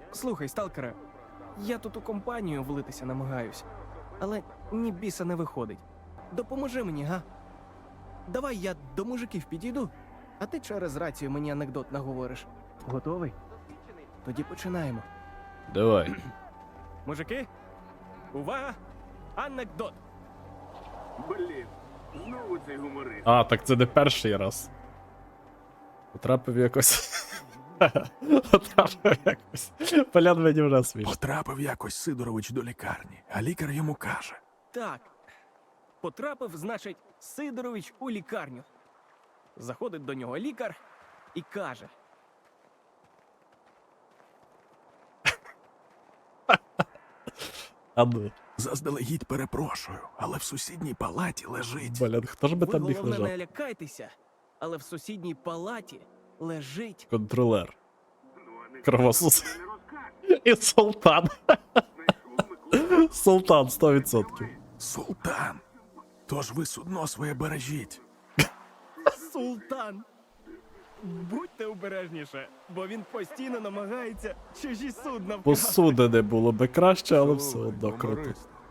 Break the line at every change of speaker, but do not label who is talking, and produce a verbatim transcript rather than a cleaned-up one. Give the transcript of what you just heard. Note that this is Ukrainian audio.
Слухай, сталкере, я тут у компанію влитися намагаюсь, але ні біса не виходить. Допоможи мені, га? Давай я до мужиків підійду, а ти через рацію мені анекдот наговориш. Готовий? Тоді починаємо.
Давай.
Мужики, увага! Анекдот!
Блін, знову цей гуморист.
А, так це не перший раз. Потрапив якось. Потрапив якось. Полян мені вже смішно.
Потрапив якось Сидорович до лікарні, а лікар йому каже:
Так. Потрапив, значить, Сидорович у лікарню. Заходить до нього лікар і каже:
А ну.
заздалегідь перепрошую, але в сусідній палаті лежить.
Блін, хто ж би
ви
там міг
головне
лежати?
не лякайтеся, але в сусідній палаті лежить
Контролер.
Ну, а не
Кровосос.
не розкаже.
І султан.
Знайшов Микола.
Султан, сто відсотків.
Султан. Тож ви судно своє бережіть.
Султан. Будьте обережніше, бо він постійно намагається чужі судна вкрасти.
Посуди не було би краще, але все одно круто.
Гуморист.